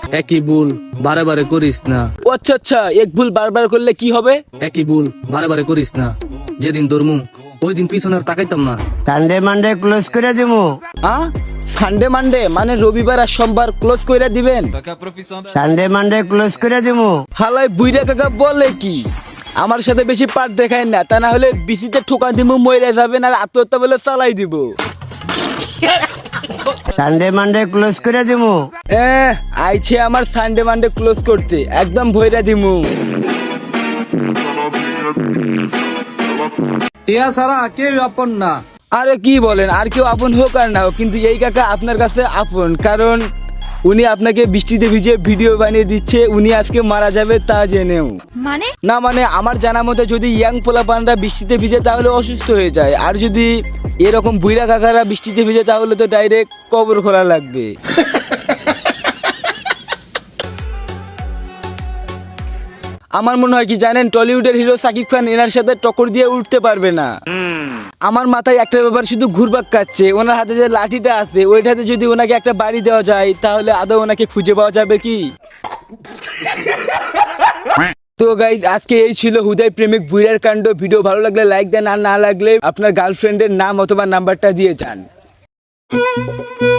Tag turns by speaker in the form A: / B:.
A: একই ভুল বারে বারে করিস না।
B: ও আচ্ছা আচ্ছা, এক ভুল বারবার করলে কি হবে?
A: একই ভুল বারে বারে করিস না। যেদিন ধরমু ওই দিন পিছনে আর তাকাইতাম না।
C: সানডে মানডে ক্লোজ করে দিমু।
B: সানডে মানডে মানে রবিবার আর সোমবার ক্লোজ কইরা দিবেন?
C: সানডে মানডে ক্লোজ করে দিমু।
B: হালাই বুইরা কাকা বলে কি? আমার সাথে বেশি পার দেখায় না, তা না হলে বিসিতে ঠোকা দিব, মরে যাবেন আর আত্মহত্যা বলে চালাই দিব।
C: সানডে মানডে ক্লোজ করে দিমু।
B: আইছে আমার সানডে মানডে ক্লোজ করতে, একদম ভইরা দিমু।
A: টিয়া ছাড়া কেউ আপন না।
B: আরে কি বলেন, আর কেউ আপন হোক আর না হোক, কিন্তু এই কাকা আপনার কাছে আপন, কারণ উনি আপনাকে বৃষ্টিতে ভিজে ভিডিও বানিয়ে দিচ্ছে। উনি আজকে মারা যাবে তা জেনেও।
D: মানে
B: না মানে আমার জানা মতে যদি ইয়াং পোলাপানরা বৃষ্টিতে ভিজে তাহলে অসুস্থ হয়ে যায়, আর যদি এরকম বুইরা কাকারা বৃষ্টিতে ভিজে তাহলে তো ডাইরেক্ট কবর খোলা লাগবে। আমার মনে হয় কি জানেন, টলিউডের হিরো সাকিব খান এনার সাথে টক্কর দিয়ে উঠতে পারবে না। আমার মাথায় একটা ব্যাপার শুধু ঘুরপাক কাচ্ছে, ওনার হাতে যে লাঠিটা আছে ওইটাতে যদি ওনাকে একটা বাড়ি দেওয়া যায় তাহলে আদৌ ওনাকে খুঁজে পাওয়া যাবে কি? তো গাইজ আজকে এই ছিল হুদাই প্রেমিক বুইরার কাণ্ড। ভিডিও ভালো লাগলে লাইক দেন, আর না লাগলে আপনার গার্লফ্রেন্ডের নাম অথবা নাম্বারটা দিয়ে যান।